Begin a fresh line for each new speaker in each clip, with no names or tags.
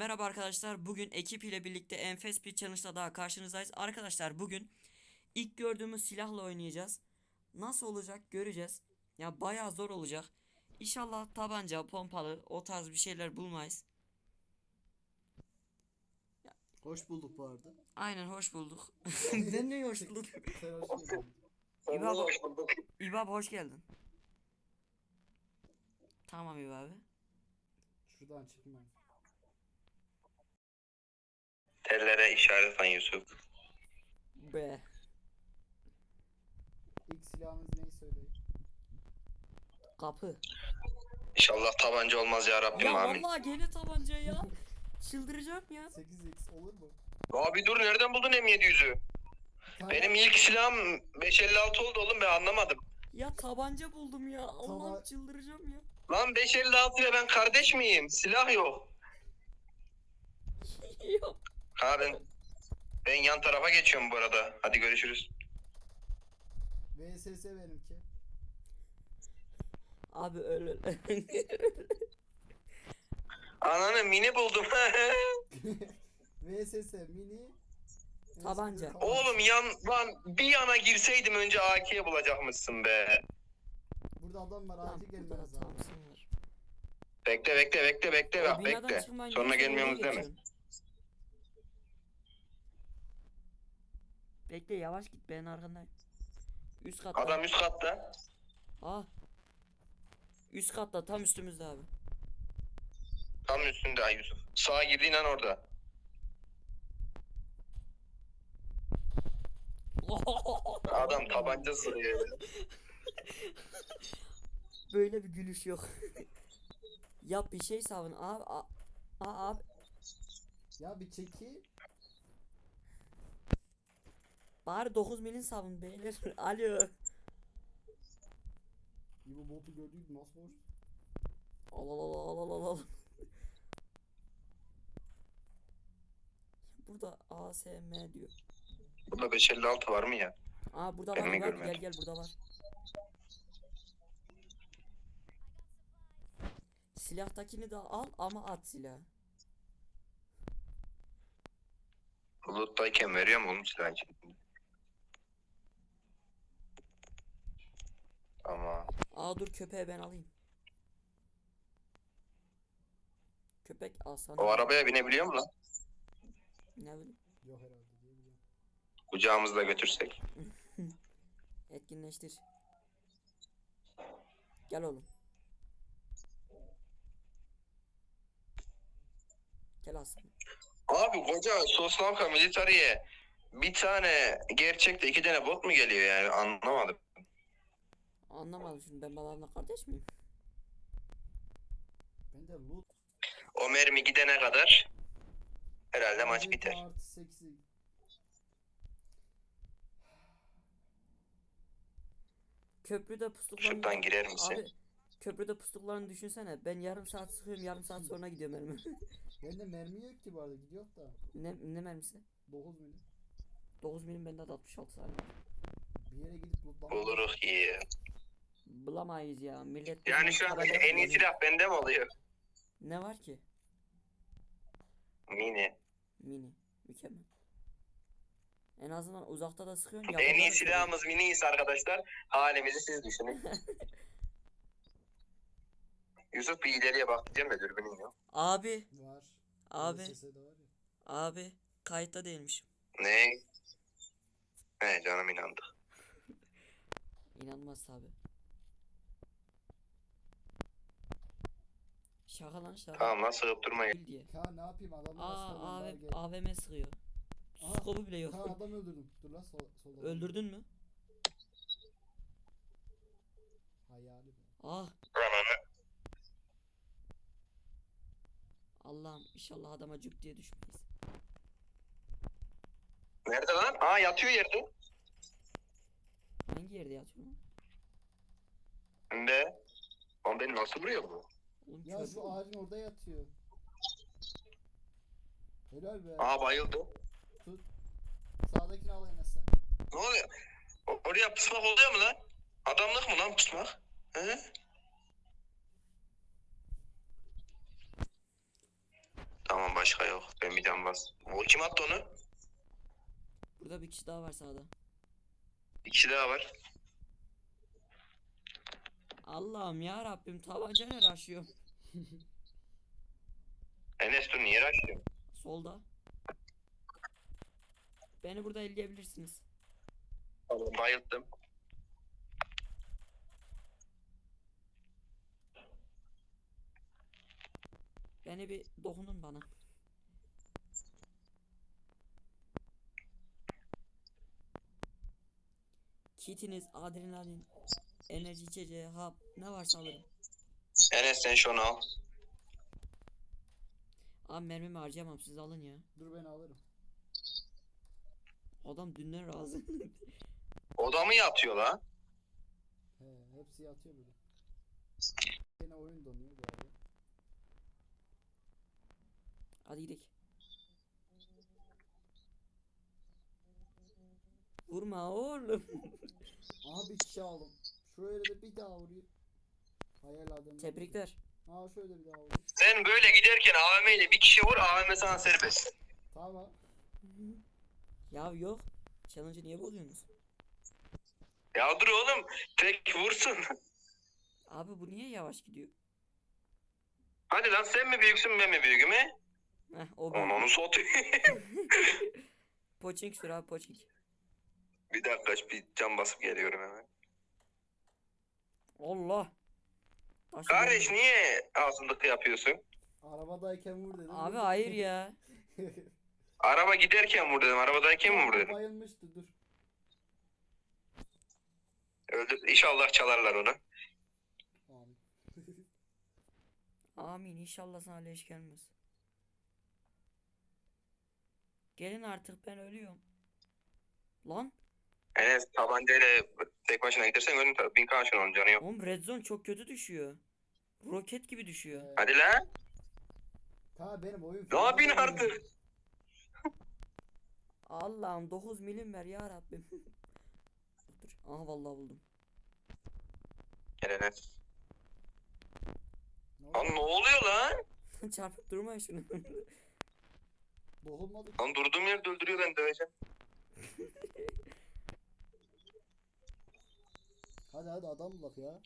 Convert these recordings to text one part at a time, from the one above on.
Merhaba arkadaşlar. Bugün ekip ile birlikte enfes bir challenge'la daha karşınızdayız. Arkadaşlar bugün ilk gördüğümüz silahla oynayacağız. Nasıl olacak göreceğiz. Ya bayağı zor olacak. İnşallah tabanca, pompalı o tarz bir şeyler bulmayız.
Hoş bulduk bu arada.
Aynen hoş bulduk. Ben de hoş bulduk.
Sen hoş geldin.
İbab, İbab hoş geldin. Tamam İbab.
Şuradan çıkma.
Tellere işaret lan Yusuf.
Be.
İlk silahınız neyi söyleyin?
Kapı.
İnşallah tabanca olmaz ya Rabbim,
Ya
amin.
vallahi gene tabanca ya. Çıldıracağım ya.
8x olur mu?
Abi dur, nereden buldun M700'ü? Benim ilk silahım 556 oldu oğlum, ben anlamadım.
Ya tabanca buldum ya. Allah'ım
Taba-
çıldıracağım ya.
Lan 556 ile ben kardeş miyim? Silah yok.
Yok.
Ha ben yan tarafa geçiyorum bu arada. Hadi görüşürüz.
VSS benimki.
Abi öyle.
Ananı mini buldum.
VSS mini.
Tabanca.
Oğlum lan bir yana girseydim önce AK'ye bulacakmışsın be.
Burada adam var,
Tamam,
acil
burada
gelmeniz lazım.
Thompson var.
Bekle
O
bak,
binadan
bekle.
çıkmayın
Sonra
diyorsa
gelmiyorsunuz
oraya
deme.
geçiyorsun. Bekle yavaş git, ben arkandayım. Üst katta.
Adam üst katta.
Ah. Üst katta tam üstümüzde abi.
Tam üstünde ay Yusuf. Sağa girdiğin an orada. Adam tabanca sırıyor.
Böyle bir gülüş yok. Yap bir şey savun abi. Abi.
Ya bir çeki.
Bari 9 milin savun beyler. Alo.
Bu botu gördük nasıl hoş.
Al al al al al al. Burada ASM diyor.
Burada 556 var mı ya?
Aa burada
Ben
var
mi
bak,
görmedim?
gel burada var. Silahtakini de al ama at silahı.
Bulut'tayken veriyor mu oğlum silah için? Tamam.
Aa dur, köpeği ben alayım. Köpek alsana.
O arabaya binebiliyor mu lan?
Ne bileyim.
Yok herhalde diye biliyorum.
Kucağımızda götürsek.
Etkinleştir. Gel oğlum. Gel aslanım.
Abi koca Soslavka Militari'ye bir tane gerçekte iki tane bot mu geliyor yani, anlamadım.
Anlamadım şimdi, ben babanla kardeş miyim?
Ben de loot.
O mermi gidene kadar herhalde maç
AWP
biter.
artı 8'i.
Köprüde pusluklarını...
Şuradan girer misin?
Abi köprüde pusluklarını düşünsene. Ben yarım saat sıkıyorum, yarım saat sonra gidiyorum elime.
Bende mermi yok ki bu arada, gidiyor da.
ne mermisi?
9 milim.
9 milim, bende de 66 saniye.
Bir yere gidip lootlamak.
Oluruk iyi.
Bulamayız ya millet.
Yani
bizim
şu an
tabanca
en iyi
kullanıyor.
silah bende mi oluyor?
Ne var ki?
Mini.
Mini. Mükemmel. En azından uzakta da sıkıyorsun.
En
yakında
iyi
da sıkıyorsun.
silahımız miniyiz arkadaşlar. Halimizi siz düşünün. Yusuf bir ileriye bak diyeceğim de dürbünün yok.
Abi.
Var.
Abi.
VSS de var ya.
Abi. Kayıtta değilmişim.
Ne? He canım, inandık.
İnanmaz abi. Şaka lan şaka.
Tamam lan, sığıp durmayın.
Bil diye.
Ya ne yapayım, adamlar
Aa
aslanlar gel.
AVM sıkıyor.
Aha.
Skopu bile yok.
Ha adam öldürdüm. Dur lan solda.
Öldürdün mü?
Hayali be.
Ah. Allah'ım inşallah adama cüp diye düşmeyiz.
Nerede lan? Aa, yatıyor yerde.
Hangi yerde yatıyor lan?
Önde. Lan beni nasıl vuruyor bu?
Oğlum
Ya
kör
şu
mü?
ağacın orada yatıyor. Helal be.
Aa, bayıldı.
Tut. Sağdakini al Enes sen.
Ne oluyor? Oraya pusmak oluyor mu lan? Adamlık mı lan pusmak? He? Tamam. Tamam başka yok. Ben bir can bas. O kim attı onu?
Burada bir kişi daha var sağda.
Bir kişi daha var.
Allah'ım ya Rabbim, tabancayla aşıyor.
Enes dur niye açtın?
Solda. Beni burada elleyebilirsiniz.
Bayıldım.
Beni bir dokunun bana. Kitiniz, adrenalin, enerji içeceği, hap ne varsa alırım.
Enes sen şunu al.
Abi mermimi harcayamam, siz alın ya.
Dur ben alırım.
Adam dünden razı.
O da mı yatıyor lan?
He, hepsi yatıyor burada. Yine oyun donuyor bu arada.
Hadi gidelim. Vurma oğlum.
Aha bir kişi aldım. Şöyle de bir daha vuruyor. Hayal adamı.
Tebrikler.
Ha şöyle bir daha vuruyor.
Sen böyle giderken AVM ile bir kişi vur, AVM sana serbest.
Tamam.
Ya yok. Challenge'ı niye bozuyorsunuz?
Ya dur oğlum, tek vursun.
Abi bu niye yavaş gidiyor?
Hadi lan sen mi büyüksün ben mi büyüğüm he?
Heh o ben.
Onu satayım.
Poçink sür abi, poçink.
Bir dakika bir can basıp geliyorum hemen.
Allah. Taşı
Kardeş
geldi.
niye ağzındıkı yapıyorsun?
Arabadayken vur dedim.
Abi
vurdum.
hayır ya.
Araba giderken vur dedim, arabadayken mi vur dedim?
Bayılmıştı dur.
Öldür. İnşallah çalarlar onu.
Amin.
Amin, inşallah sana leş gelmez. Gelin artık, ben ölüyorum. Lan
Enes tabancayla tek başına gidersen ölüm tabii. 1000 kaçın onun canı yok.
oğlum, red zone çok kötü düşüyor. Roket gibi düşüyor.
Hadi lan.
Ta benim oyun.
Ne yapıyorsun artık?
Allah'ım 9 milim ver ya Rabbim. Dur. Aha vallahi buldum.
Gel Enes.
Ne
Lan
oldu?
ne oluyor lan?
Çarpıp durma şunu.
Dokunmadı.
Lan durduğum yerde öldürüyor, ben döveceğim.
Hadi hadi adam bulak ya.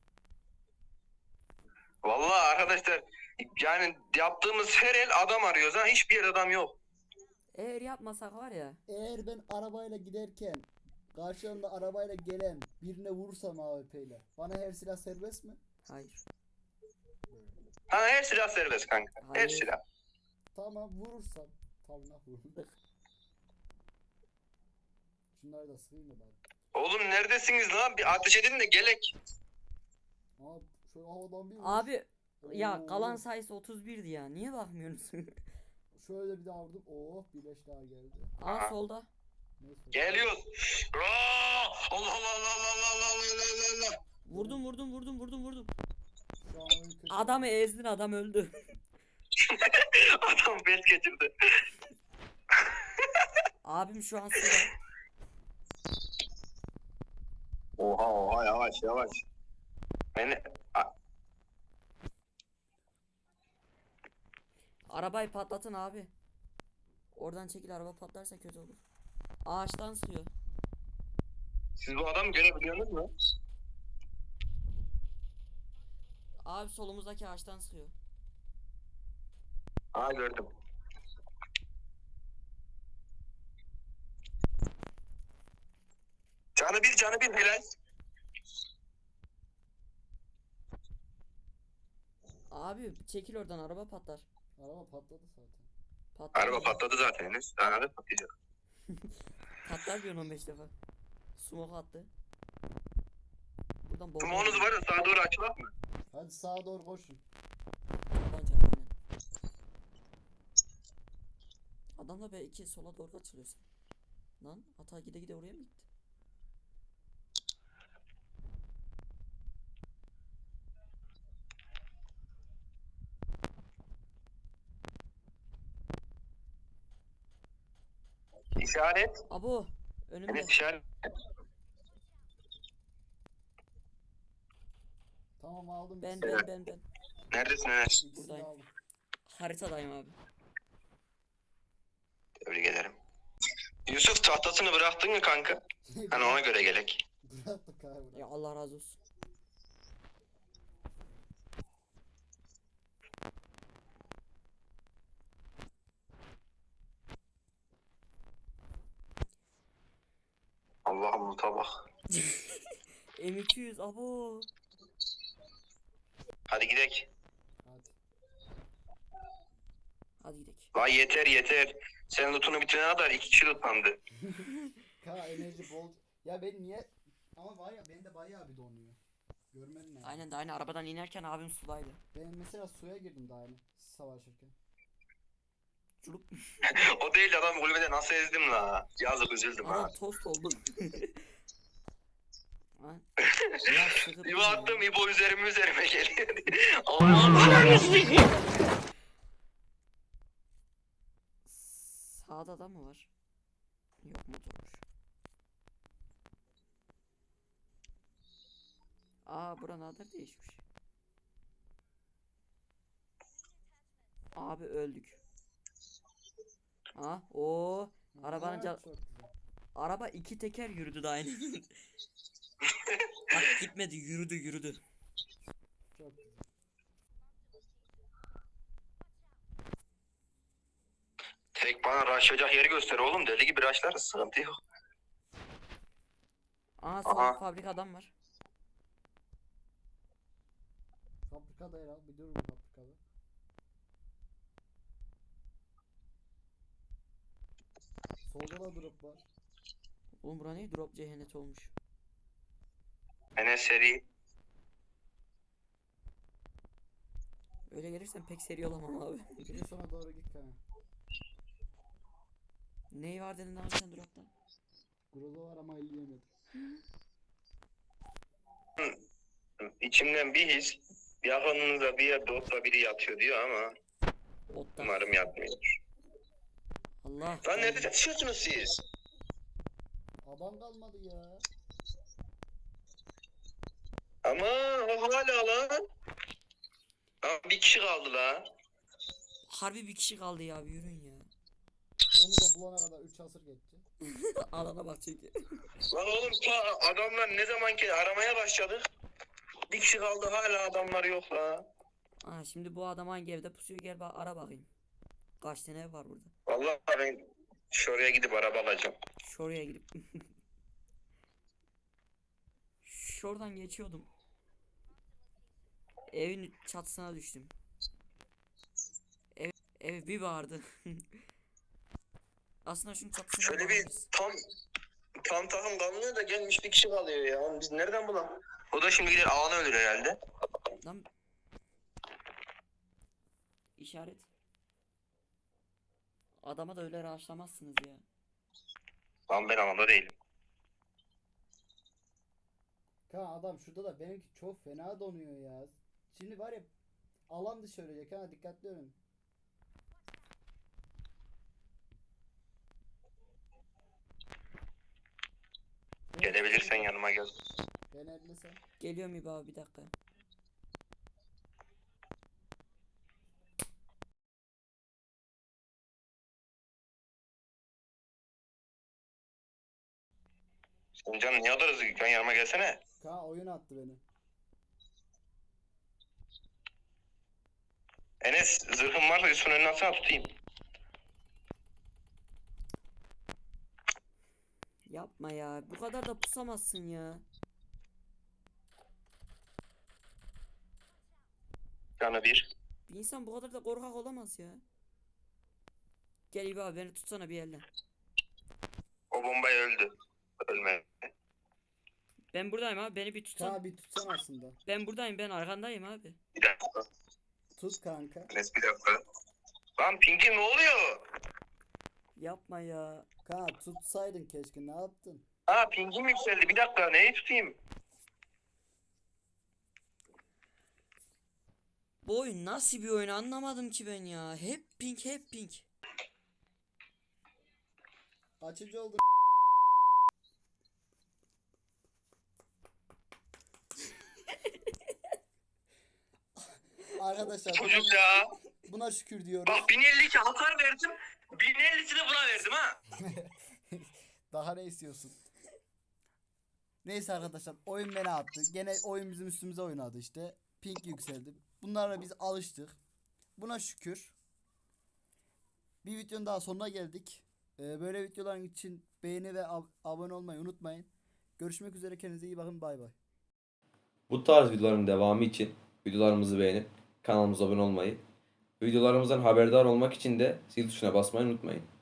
Vallahi arkadaşlar yani yaptığımız her el adam arıyoruz ha, hiçbir yer adam yok.
Eğer yapmasak var ya.
Eğer ben arabayla giderken karşımda arabayla gelen birine vurursam AWP ile bana her silah serbest mi?
Hayır.
Ha her silah serbest kanka. Her
Hayır.
silah.
Tamam vurursam. Tamam vururum. Şunları da sığayım da bari.
Oğlum neredesiniz lan? Bir ateş edin de gelek.
Aa şu havadan bir vur.
Abi ya
Oo.
kalan sayısı 31'di ya. Niye bakmıyorsunuz?
Şöyle bir daha vurdum. Oh bir leş daha geldi.
Aa solda.
Neyse.
Geliyoruz. Aa! Allah Allah Allah Allah Allah Allah Allah.
Vurdum.
Şu an oyun kötü.
Adamı ezdin, adam öldü.
Adam bet geçirdi.
Abim şu an suda.
Oha yavaş. Beni
Arabayı patlatın abi. Oradan çekil, araba patlarsa kötü olur. Ağaçtan sıkıyor.
siz bu adamı görebiliyorsunuz mu?
Abi solumuzdaki ağaçtan sıkıyor.
Aa gördüm. Canı bir helal.
Abi çekil oradan, araba patlar.
Araba patladı zaten.
Patlar
Araba
diyor.
patladı zaten Enes. Daha ne patlayacak?
Patlar diyorsun 15 defa. Smoke attı. Buradan bomba.
Tumonuz var ya, sağa doğru açılak mı?
Hadi sağa doğru koşun.
Tabanca aynen. Adam da belki sola doğru açılıyorsun. Lan hata gide gide oraya mı gitti?
İşaret.
Abo önümde.
Enes işaret.
Tamam aldım.
Ben.
Neredesin Enes?
İkisini
Buradayım.
aldım.
Haritadayım abi.
Tebrik ederim. Yusuf tahtasını bıraktın mı kanka? Hani ona göre gelek.
Bıraktık abi.
Ya Allah razı olsun.
Allah'ım loot'a bak.
M200 abo.
Hadi gidek.
Hadi.
Hadi gidelim.
Vay yeter. Sen loot'unu bitirene kadar 2 kişi lootlandı.
Enerji bol. Ya ben niye? Ama var ya bende bayağı bir donuyor. Görmedin mi?
Aynen de aynı arabadan inerken abim sudaydı.
Ben mesela suya girdim daha yeni savaşırken.
Çulup.
O değil adam kulübede nasıl ezdim la. Yazık üzüldüm ha.
Adam tost oldu. Ha? Ya sıkıntı
İbo
ya.
attım İbo üzerime geliyor. Allah'ım.
Sağda da mı var? Yok motormuş. Aa buranın adı değişmiş. Abi öldük. Ha o arabanın
Çok güzel.
araba iki teker yürüdü de aynı. Bak gitmedi yürüdü.
Çok güzel.
Tek bana rushlayacak yeri göster oğlum. Deli gibi rushlarız. Sıkıntı yok.
Aa sol
Aha.
fabrikadan var.
Fabrikada herhalde bir durun fabrikada. Solda da drop var.
Oğlum bura ne? Drop cehennet olmuş.
Enes seri.
Öyle gelirsen pek seri olamam abi.
Bir sona doğru git kanka.
Ney var dedin abi sen dropta?
Groza var ama elleyemedim.
İçimden bir his. Yakınınızda bir yerde otla biri yatıyor diyor ama
Otta.
umarım yatmıyor.
Allah.
Lan nerede çatışıyorsunuz siz?
Adam kalmadı ya.
Ama o hala lan. Ama bir kişi kaldı la.
Harbi bir kişi kaldı ya bir yürüyün ya.
Onu da bulana kadar 3 asır geçti.
Alana bak çünkü.
Lan oğlum ta adamlar ne zaman ki aramaya başladık. Bir kişi kaldı hala adamlar yok la.
Aa şimdi bu adam hangi evde pusuyor gel bak ara bakayım. Kaç tane ev var burada?
Vallahi ben şuraya gidip araba alacağım.
Şuraya gidip. Şuradan geçiyordum. Evin çatısına düştüm. Ev bir vardı. Aslında şunun çatısına
Şöyle bir
varırız.
tam takım kalmıyor da gelmiş bir kişi kalıyor ya. Oğlum biz nereden bulalım? O da şimdi gider ağını ölür herhalde.
Lan işaret. Adama da öyle rahatlamazsınız ya.
Lan ben alanda değilim.
Kanka adam şurada da benimki çok fena donuyor ya. Şimdi var ya alan dışı ölecek ha dikkatli olun.
Gelebilirsen yanıma gel.
Ben ellesem.
Geliyorum İbo abi bir dakika.
Sen canım niye alırız? Sen yanıma gelsene.
Kanka oyun attı beni.
Enes zırhım varsa Yusuf'un önüne atsana tutayım.
Yapma ya. Bu kadar da pusamazsın ya.
Canı bir.
Bir insan bu kadar da korkak olamaz ya. Gel İbo abi beni tutsana bir yerden.
O bombayı öldü. Ölme.
Ben buradayım abi beni bir tutsan.
Kanka bir tutsan aslında.
Ben buradayım ben arkandayım abi.
Bir dakika.
Tut kanka.
Enes bir dakika. Lan Pinky ne oluyor?
Yapma ya.
Kanka tutsaydın keşke ne yaptın?
Ha Pinky'm yükseldi. Bir dakika neyi tutayım?
Bu oyun nasıl bir oyun anlamadım ki ben ya. Hep pink hep pink.
Açıcı oldu. Arkadaşlar
Çocuk ya.
buna şükür diyoruz.
Bak 1052 hasar verdim. 1050'sini buna verdim ha.
Daha ne istiyorsun? Neyse arkadaşlar, oyun beni attı. Gene oyun bizim üstümüze oynadı işte. Ping yükseldi. Bunlara biz alıştık. Buna şükür. Bir videonun daha sonuna geldik. Böyle videoların için beğeni ve abone olmayı unutmayın. Görüşmek üzere, kendinize iyi bakın, bay bay.
Bu tarz videoların devamı için videolarımızı beğenip kanalımıza abone olmayı, videolarımızdan haberdar olmak için de zil tuşuna basmayı unutmayın.